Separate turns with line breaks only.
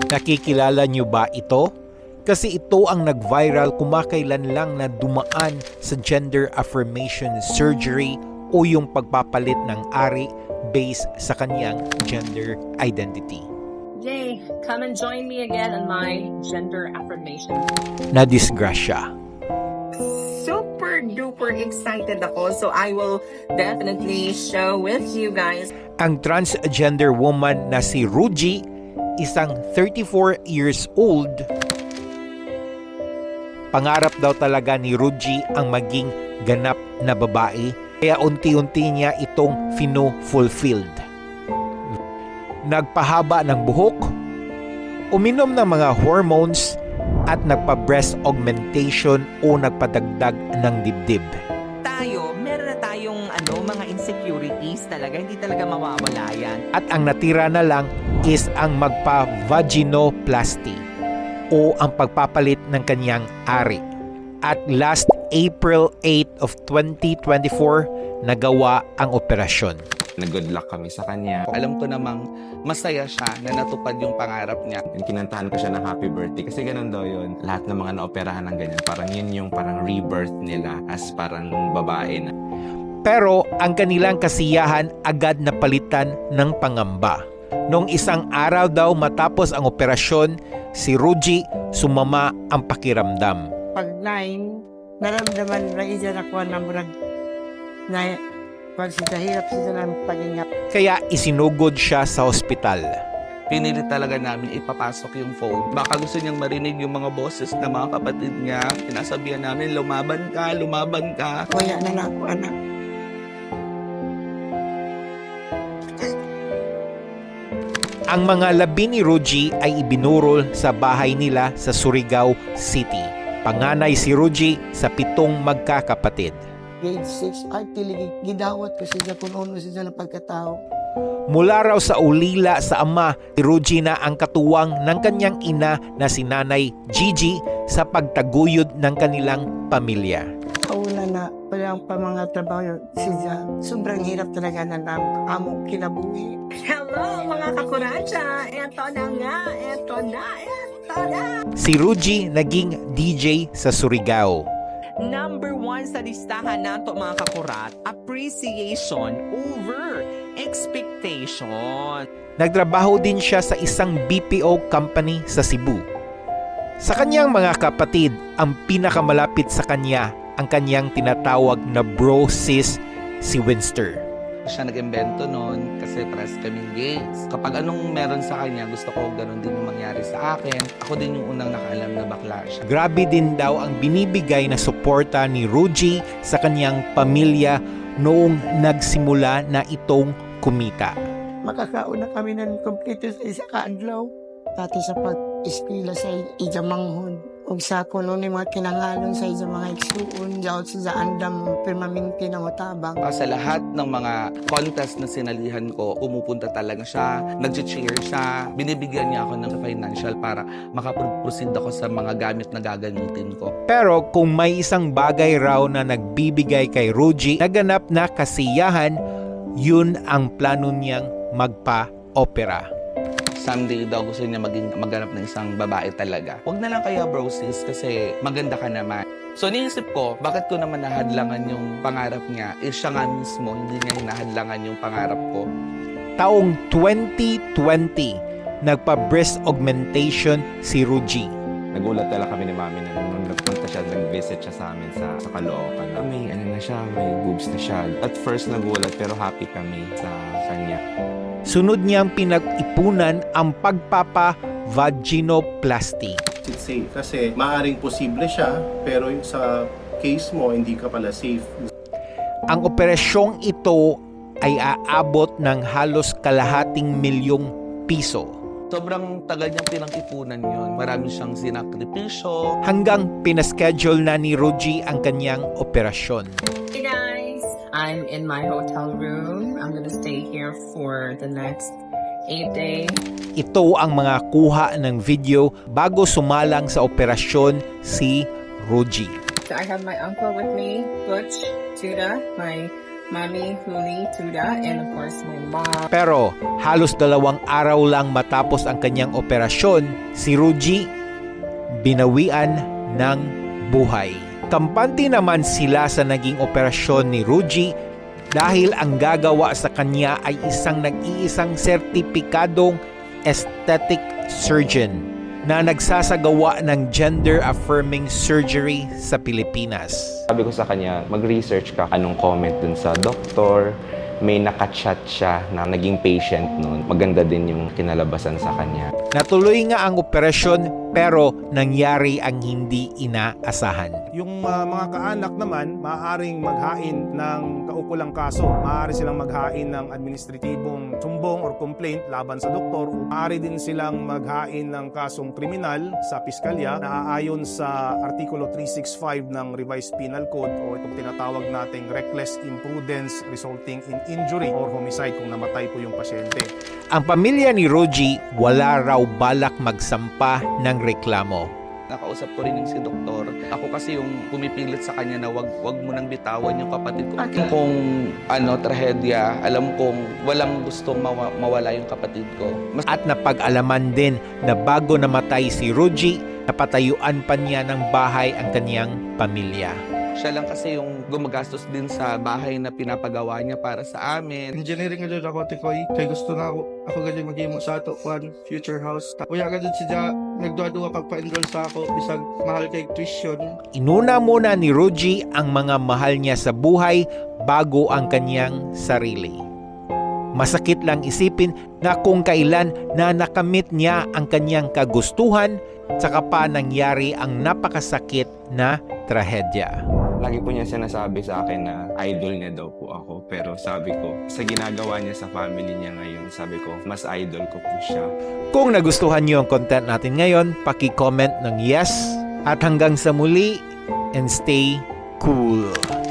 Nakikilala niyo ba ito? Kasi ito ang nag-viral kumakailan lang na dumaan sa gender affirmation surgery o yung pagpapalit ng ari based sa kanyang gender identity.
Yay! Come and join me again on my gender affirmation.
Nadisgrasya.
Super duper excited ako, so I will definitely share with you guys.
Ang transgender woman na si Ruji, isang 34 years old. Pangarap daw talaga ni Ruji ang maging ganap na babae, kaya unti-unti niya itong fino-fulfilled. Nagpahaba ng buhok, uminom ng mga hormones, at nagpa-breast augmentation o nagpadagdag ng dibdib.
Meron na tayong mga insecurities talaga, hindi talaga mawawala yan.
At ang natira na lang is ang magpa-vaginoplasty o ang pagpapalit ng kanyang ari. At last April 8 of 2024, nagawa ang operasyon.
Nag-good luck kami sa kanya. Alam ko namang masaya siya na natupad yung pangarap niya. Kinantahan ko siya ng happy birthday kasi ganun daw yun. Lahat ng mga naoperahan ng ganyan, parang yun yung parang rebirth nila as parang babae na.
Pero ang kanilang kasiyahan agad na palitan ng pangamba. Noong isang araw daw matapos ang operasyon, si Ruji sumama ang pakiramdam.
Pag 9, naramdaman na isa na kuha na murag na pag sila hirap sila ng paghinga.
Kaya isinugod siya sa ospital.
Pinilit talaga namin ipapasok yung phone. Baka gusto niyang marinig yung mga boses ng mga kapatid niya. Sinasabihan namin, lumaban ka, lumaban ka.
Kuya na ako, anak.
Ang mga labi ni Ruji ay ibinurol sa bahay nila sa Surigao City. Panganay si Ruji sa 7 magkakapatid.
Grade 6, ay tiligig, gidawat ko siya kung ano siya ng pagkatao.
Mula raw sa ulila sa ama, si Ruji na ang katuwang ng kanyang ina na si Nanay Gigi sa pagtaguyod ng kanilang pamilya.
Kauna na, walang pa mga trabaho siya. Sobrang hirap talaga na among kinabuhi.
Hello mga kakuracha! Eto na nga! Eto na!
Si Ruji naging DJ sa Surigao.
Number 1 sa listahan nato mga kakurat, appreciation over expectation.
Nagtrabaho din siya sa isang BPO company sa Cebu. Sa kanyang mga kapatid, ang pinakamalapit sa kanya ang kanyang tinatawag na bro sis, si Winster.
Siya nag-invento noon kasi pares kaming gays. Kapag anong meron sa kanya, gusto ko ganun din yung mangyari sa akin. Ako din yung unang nakaalam na bakla siya.
Grabe din daw ang binibigay na suporta ni Ruji sa kanyang pamilya noong nagsimula na itong kumita.
Makakauna kami ng kompleto sa isa kaadlaw. Pati sa pag-espila sa ijamanghon. Ug sa kuno ni mga kinangalon sa isa mga igsuon, jaot sa andam permanente na matabang.
Sa lahat ng mga contest na sinalihan ko, pumupunta talaga siya, nag-cheer siya, binibigyan niya ako ng financial para makaproceed ako sa mga gamit na gagamitin ko.
Pero kung may isang bagay raw na nagbibigay kay Ruji na ganap na kasiyahan, yun ang plano niyang magpa-opera.
Someday daw gusto niya maghanap ng isang babae talaga. Huwag na lang kaya bro sis kasi maganda ka naman. So niisip ko, bakit ko naman nahadlangan yung pangarap niya? Siya nga mismo, hindi niya hinahadlangan yung pangarap ko.
Taong 2020, nagpa-breast augmentation si Ruji.
Nagulat talaga kami ni Mami na nung nagpunta siya, nag-visit siya sa amin sa Caloocan. May na siya, may boobs na siya. At first nagulat pero happy kami sa kanya.
Sunod niyang pinag-ipunan ang pagpapa-vaginoplasty.
It's safe kasi maaring posible siya pero sa case mo hindi ka pala safe.
Ang operasyong ito ay aabot ng halos ₱250,000.
Sobrang tagal niyang pinang-ipunan yun. Marami siyang sinakripisyo.
Hanggang pinaschedule na ni Ruji ang kanyang operasyon.
Hey guys! I'm in my hotel room. I'm gonna stay here for the next 8 days.
Ito ang mga kuha ng video bago sumalang sa operasyon si Ruji.
So I have my uncle with me, Butch, Judah, my Mommy, Huli, Tuda, and of course my mom.
Pero halos 2 araw lang matapos ang kanyang operasyon, si Ruji binawian ng buhay. Kampante naman sila sa naging operasyon ni Ruji dahil ang gagawa sa kanya ay isang nag-iisang sertipikadong aesthetic surgeon na nagsasagawa ng gender-affirming surgery sa Pilipinas.
Sabi ko sa kanya, mag-research ka anong comment dun sa doktor. May nakachat siya na naging patient noon. Maganda din yung kinalabasan sa kanya.
Natuloy nga ang operasyon pero nangyari ang hindi inaasahan.
Yung mga kaanak naman, maaaring maghain ng kaukulang kaso. Maaari silang maghain ng administratibong sumbong or complaint laban sa doktor. Maaari din silang maghain ng kasong kriminal sa piskalya na aayon sa Artikulo 365 ng Revised Penal Code o itong tinatawag nating reckless imprudence resulting in injury or homicide kung namatay po yung pasyente.
Ang pamilya ni Ruji wala raw balak magsampa ng reklamo.
Nakausap ko rin yung si doktor. Ako kasi yung pumipilit sa kanya na wag mo nang bitawan yung kapatid ko.
Okay.
Kung trahedya, alam kong walang gustong mawala yung kapatid ko.
At napag-alaman din na bago namatay si Ruji, napatayuan pa niya ng bahay ang kanyang pamilya.
Siya lang kasi yung gumagastos din sa bahay na pinapagawa niya para sa amin.
Engineering nga doon ako, Tikoy. Kaya gusto na ako galing mag-imo sa ato, one future house. Kuya ka doon siya, nagduwa-duwa pagpa-enroll sa ako, bisag mahal kay tuition.
Inuna muna ni Ruji ang mga mahal niya sa buhay bago ang kanyang sarili. Masakit lang isipin na kung kailan na nakamit niya ang kanyang kagustuhan, saka pa nangyari ang napakasakit na trahedya.
Lagi po niya sinasabi sa akin na idol niya daw po ako. Pero sabi ko, sa ginagawa niya sa family niya ngayon, sabi ko, mas idol ko po siya.
Kung nagustuhan niyo ang content natin ngayon, paki-comment ng yes. At hanggang sa muli, and stay cool.